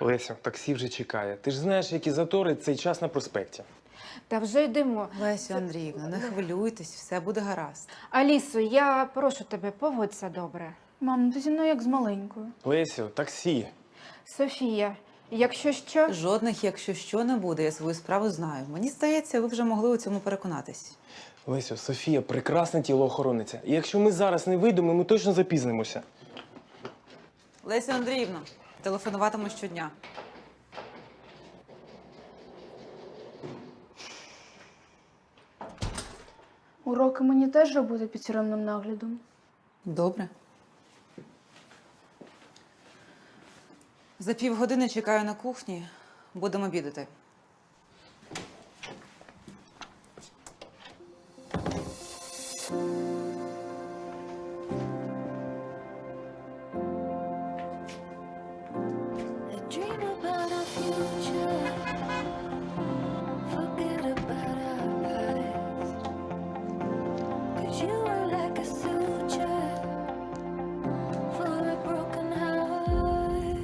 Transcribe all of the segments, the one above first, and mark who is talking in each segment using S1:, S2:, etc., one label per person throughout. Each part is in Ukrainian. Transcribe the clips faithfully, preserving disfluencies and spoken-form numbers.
S1: Лесю, таксі вже чекає. Ти ж знаєш, які затори цей час на проспекті.
S2: Та вже йдемо.
S3: Лесю Андріївна, не хвилюйтесь, все буде гаразд.
S2: Алісо, я прошу тебе, поводься добре.
S4: Мам, ну ти зі мною як з маленькою.
S1: Лесю, таксі.
S2: Софія, якщо що...
S3: Жодних, якщо що, не буде, я свою справу знаю. Мені здається, ви вже могли у цьому переконатись.
S1: Лесю, Софія прекрасна тілоохоронниця. І якщо ми зараз не вийдемо, ми точно запізнимося.
S3: Лесю Андріївна, телефонуватиму щодня.
S4: Уроки мені теж робити під тюремним наглядом.
S3: Добре. За півгодини чекаю на кухні. Будемо обідати.
S5: Dream about our future. Forget about our past. 'Cause you were like a suture for a broken heart.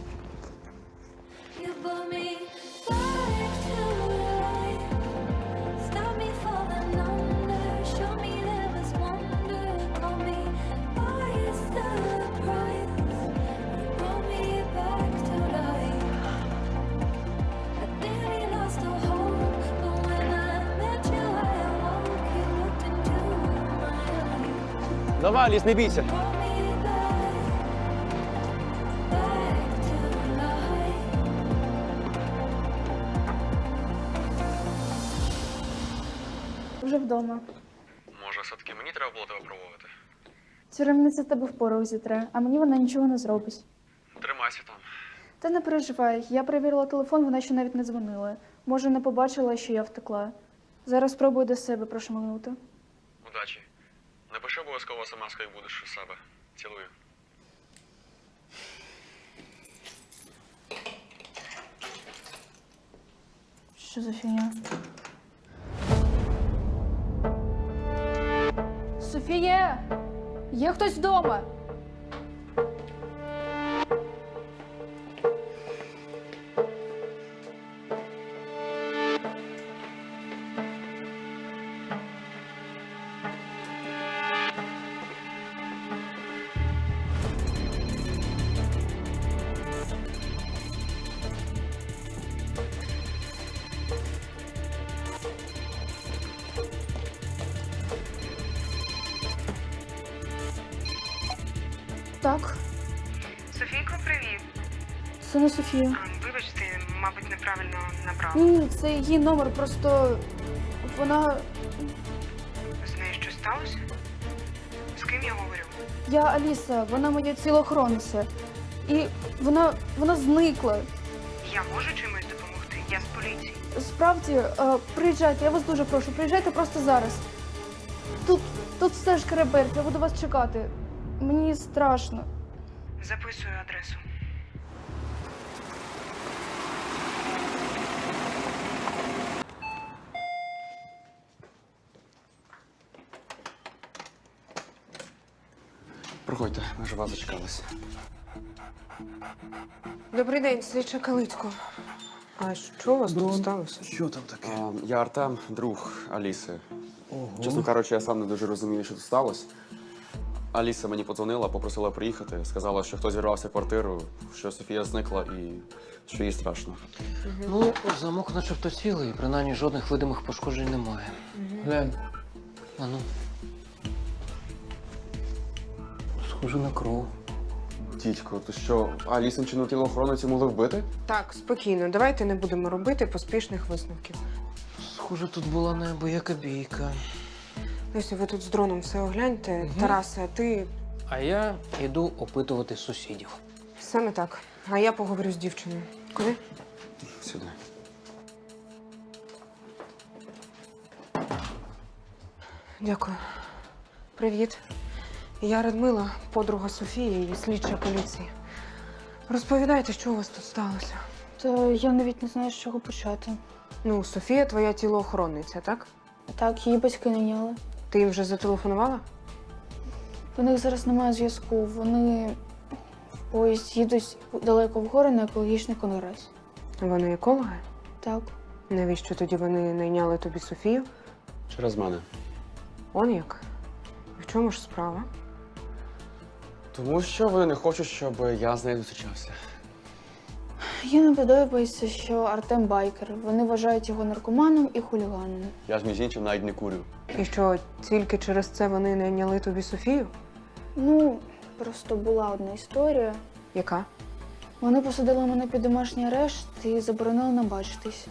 S5: You brought me back to life. Stop me falling under. Show me there was wonder. Call me by your surprise. You brought me back to life. I nearly lost all hope, but when I met you, I awoke. You looked into my eyes.
S1: Давай, Аліс, не бійся.
S5: Brought me back, back to life.
S4: Вже вдома.
S6: Може, все-таки мені треба було тебе пробувати?
S4: Тюремниця тебе в порох зітре, а мені вона нічого не зробить.
S6: Тримайся там.
S4: Та не переживай, я перевірила телефон, вона ще навіть не дзвонила. Може, не побачила, що я втекла. Зараз спробую до себе прошмигнути.
S6: Удачі. Напиши обов'язково смс, як будеш у себе. Цілую.
S4: Що за фігня? Софія! Є хтось вдома? Так,
S7: Софійко, привіт.
S4: це не Софія.
S7: А, Вибач, ти, мабуть, неправильно набрав.
S4: Ні, це її номер, просто вона.
S7: З нею щось сталося? З ким я говорю?
S4: Я Аліса, вона моя тілоохоронниця. І вона. вона зникла.
S7: Я можу чимось допомогти? Я з поліції.
S4: Справді, е, приїжджайте, я вас дуже прошу, приїжджайте просто зараз. Тут, тут все ж керебель, я буду вас чекати. Мені страшно.
S7: Записую адресу.
S6: Проходьте, ми ж вас зачекалися.
S7: Добрий день, слідча Калицько. А що у вас тут сталося?
S8: Що там таке?
S6: А, я Артем, друг Аліси. Чесно кажучи, я сам не дуже розумію, що тут сталося. Аліса мені подзвонила, попросила приїхати, сказала, що хтось вірвався в квартиру, що Софія зникла і що їй страшно.
S8: Ну, замок начебто цілий, принаймні жодних видимих пошкоджень немає. Глянь. А ну. Схоже на кров.
S6: Дідько, то що, Алісинчину тілоохоронницю могли вбити?
S7: Так, спокійно, давайте не будемо робити поспішних висновків.
S8: Схоже, тут була неабияка бійка.
S7: Лесю, ви тут з дроном все огляньте.
S8: Мгм.
S7: Тарасе, ти
S8: А я йду опитувати сусідів.
S7: саме так. А я поговорю з дівчиною. Куди?
S6: Сюди.
S7: Дякую. Привіт. Я Радмила, подруга Софії і слідча поліції. Розповідайте, що у вас тут сталося.
S4: Та я навіть не знаю, з чого почати.
S7: Ну, Софія твоя тілоохоронниця, так?
S4: Так, її батьки найняли.
S7: Ти їм вже зателефонувала?
S4: У них зараз немає зв'язку. Вони в Ось їдуть далеко в гори на екологічний конгрес.
S7: Вони екологи?
S4: Так.
S7: Навіщо тоді вони найняли тобі Софію?
S6: Через мене.
S7: Он як? В чому ж справа?
S6: Тому що вони не хочуть, щоб я з нею зустрічався.
S4: Їм не подобається, що Артем байкер. Вони вважають його наркоманом і хуліганом.
S6: Я ж між іншим навіть не курю.
S7: І що, тільки через це вони найняли тобі Софію?
S4: Ну, просто була одна історія.
S7: Яка?
S4: Вони посадили мене під домашній арешт і заборонили нам бачитись.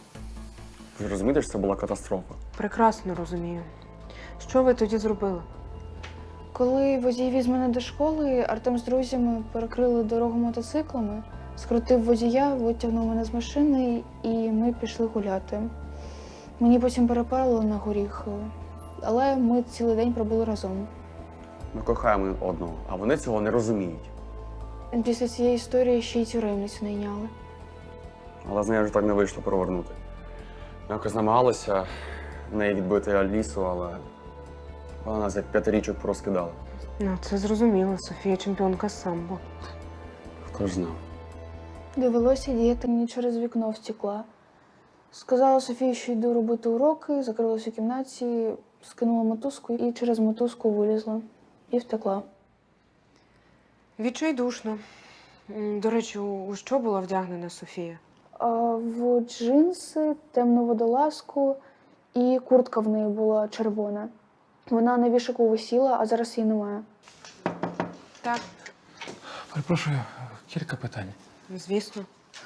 S6: Ви ж розумієте, що це була катастрофа?
S7: Прекрасно розумію. Що ви тоді зробили?
S4: Коли водій віз мене до школи, Артем з друзями перекрили дорогу мотоциклами, скрутив водія, витягнув мене з машини і ми пішли гуляти. Мені потім перепарили на горіх, але ми цілий день пробули разом.
S6: Ми кохаємо один одного, а вони цього не розуміють.
S4: Після цієї історії ще й тюремницю найняли.
S6: Але з нею вже так не вийшло провернути. Ми якось намагалися в неї відбити Алісу, але вона нас як п'ятирічок порозкидала.
S7: Ну, це зрозуміло. Софія чемпіонка з самбо.
S6: Хто ж знав?
S4: Довелося діяти, мені через вікно втекла. Сказала Софії, що йду робити уроки, закрилась у кімнаті, скинула мотузку і через мотузку вилізла. І втекла.
S7: Відчайдушно. М, До речі, у що була вдягнена Софія?
S4: А в джинси, темну водолазку і куртка в неї була червона. Вона на вішаку висіла, а зараз її немає.
S7: Так.
S9: Перепрошую, кілька питань.
S7: Звісно.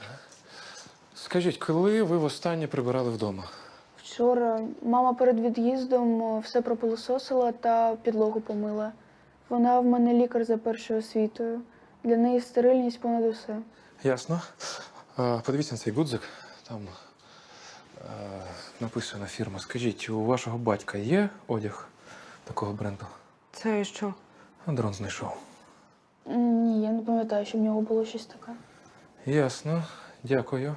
S9: Скажіть, коли ви востаннє прибирали вдома?
S4: Вчора мама перед від'їздом все пропилососила та підлогу помила. Вона в мене лікар за першою освітою. Для неї стерильність понад усе.
S9: Ясно. А, подивіться на цей гудзик. Там а, написана фірма. Скажіть, у вашого батька є одяг такого бренду?
S7: Це що?
S9: А, Дрон знайшов.
S4: М, Ні, я не пам'ятаю, що в нього було щось таке.
S9: Ясно. Дякую.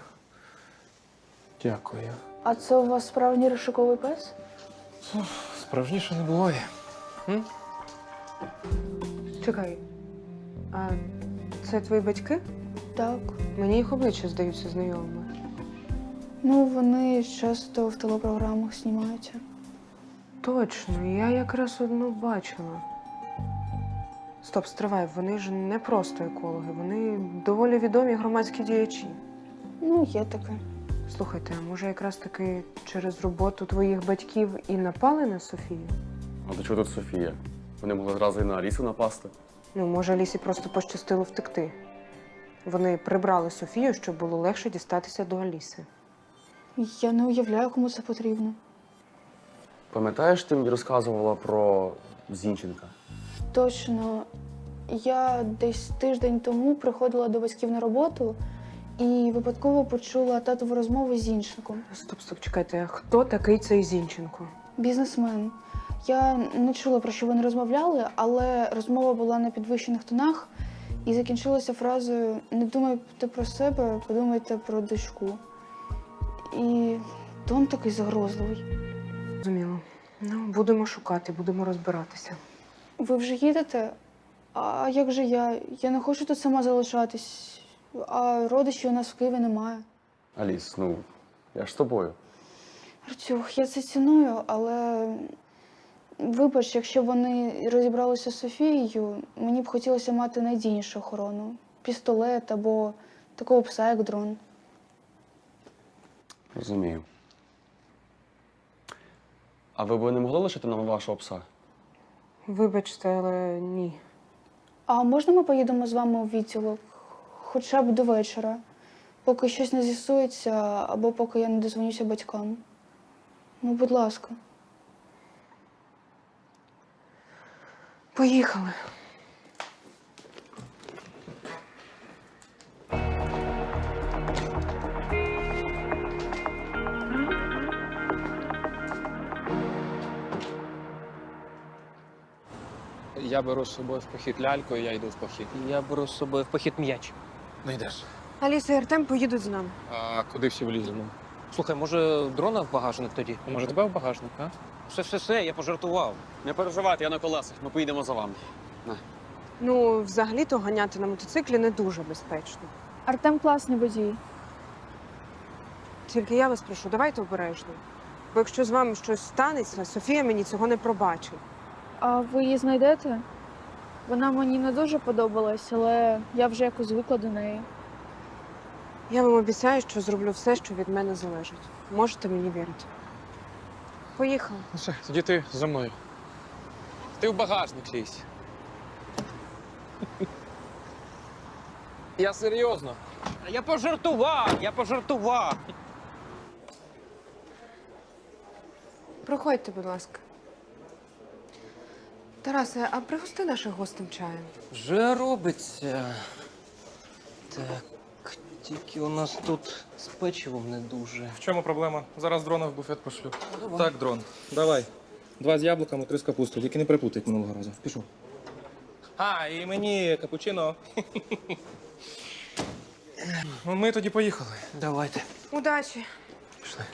S9: Дякую.
S4: А це у вас справжній розшуковий пес?
S9: Справжніше не буває. М?
S7: Чекай. А це твої батьки?
S4: Так.
S7: Мені їх обличчя здаються знайомими.
S4: Ну, вони часто в телепрограмах знімаються.
S7: Точно, я якраз одну бачила. Стоп, стривай, вони ж не просто екологи, вони доволі відомі громадські діячі.
S4: Ну, є таке.
S7: Слухайте, а може якраз таки через роботу твоїх батьків і напали на Софію?
S6: А до чого тут Софія? Вони могли зразу і на Алісу напасти.
S7: Ну, може, Алісі просто пощастило втекти. Вони прибрали Софію, щоб було легше дістатися до Аліси.
S4: Я не уявляю, кому це потрібно.
S6: Пам'ятаєш, ти мені розказувала про Зінченка?
S4: Точно. Я десь тиждень тому приходила до батьків на роботу і випадково почула татову розмову з Зінченком.
S7: Стоп, стоп, чекайте, а хто такий цей Зінченко?
S4: Бізнесмен. Я не чула, про що вони розмовляли, але розмова була на підвищених тонах і закінчилася фразою «Не думайте про себе, подумайте про дочку». І тон такий загрозливий.
S7: Зрозуміло. Ну, будемо шукати, будемо розбиратися.
S4: Ви вже їдете? А як же я? Я не хочу тут сама залишатись, а родичів у нас в Києві немає.
S6: Аліс, ну, я ж з тобою.
S4: Артюх, я це ціную, але вибач, якщо вони розібралися з Софією, мені б хотілося мати надійнішу охорону. Пістолет або такого пса, як дрон.
S6: Розумію. А ви б не могли лишити нам вашого пса?
S7: Вибачте, але ні.
S4: А можна ми поїдемо з вами у відділок? Хоча б до вечора, поки щось не з'ясується, або поки я не дозвонюся батькам. Ну, будь ласка.
S7: Поїхали.
S8: Я беру з собою в похід ляльку, і я йду в похід.
S1: Я беру з собою в похід м'яч.
S8: Не йдеш.
S7: Аліса і Артем поїдуть з нами.
S8: А куди всі вліземо?
S1: Слухай, може, дрона в багажник тоді?
S8: Може, тебе в багажник, а?
S1: Все, все, все, я пожартував.
S6: Не переживайте, я на колесах, ми поїдемо за вами. На.
S7: Ну, взагалі-то ганяти на мотоциклі не дуже безпечно.
S4: Артем класний водій.
S7: Тільки я вас прошу, давайте обережно. Бо якщо з вами щось станеться, Софія мені цього не пробачить.
S4: А ви її знайдете? Вона мені не дуже подобалась, але я вже якось звикла до неї.
S7: Я вам обіцяю, що зроблю все, що від мене залежить. Можете мені вірити. Поїхали.
S9: Ну все, тоді ти за мною. Ти в багажник лізь. Я серйозно.
S8: Я пожартував, я пожартував.
S7: Проходьте, будь ласка. Тарасе, а пригости наших гостем чаєм.
S8: Вже робиться. Так, тільки у нас тут з печивом не дуже.
S1: В чому проблема? Зараз дрона в буфет пошлю.
S8: давай.
S1: Так, дрон, давай. Два з яблуками, три з капустою. Тільки не перепутай, як минулого разу. Пішов. А, і мені капучино. Ну, ми тоді поїхали.
S8: Давайте.
S7: Удачі.
S1: Пішли.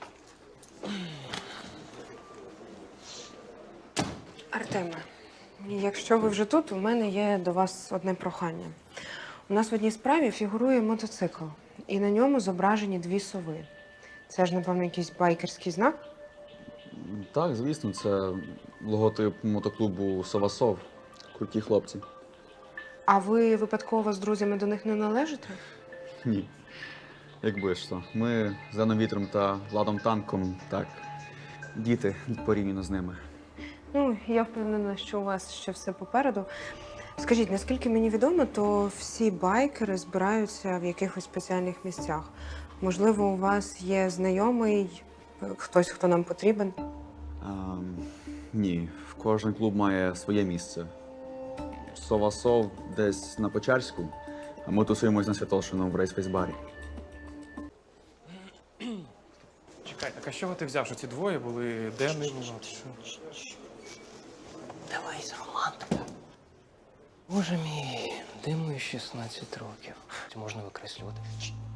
S7: Артеме, якщо ви вже тут, у мене є до вас одне прохання. У нас в одній справі фігурує мотоцикл, і на ньому зображені дві сови. Це ж, напевно, якийсь байкерський знак?
S6: Так, звісно, це логотип мотоклубу Совасов. Круті хлопці.
S7: А ви випадково з друзями до них не належите?
S6: Ні. Якби ж то. Ми з Яном Вітром та Владом Танком, так, діти порівняно з ними.
S7: Ну, я впевнена, що у вас ще все попереду. Скажіть, наскільки мені відомо, то всі байкери збираються в якихось спеціальних місцях. Можливо, у вас є знайомий, хтось, хто нам потрібен?
S6: Ем, ні, кожен клуб має своє місце. Совасов десь на Печерську, а ми тусуємось на Святошину в рейсфейс-барі.
S1: Чекай, так а з чого ти взяв, що ці двоє були денними?
S8: Давай з романтика. Боже мій, диму шістнадцять років. Це можна викреслювати.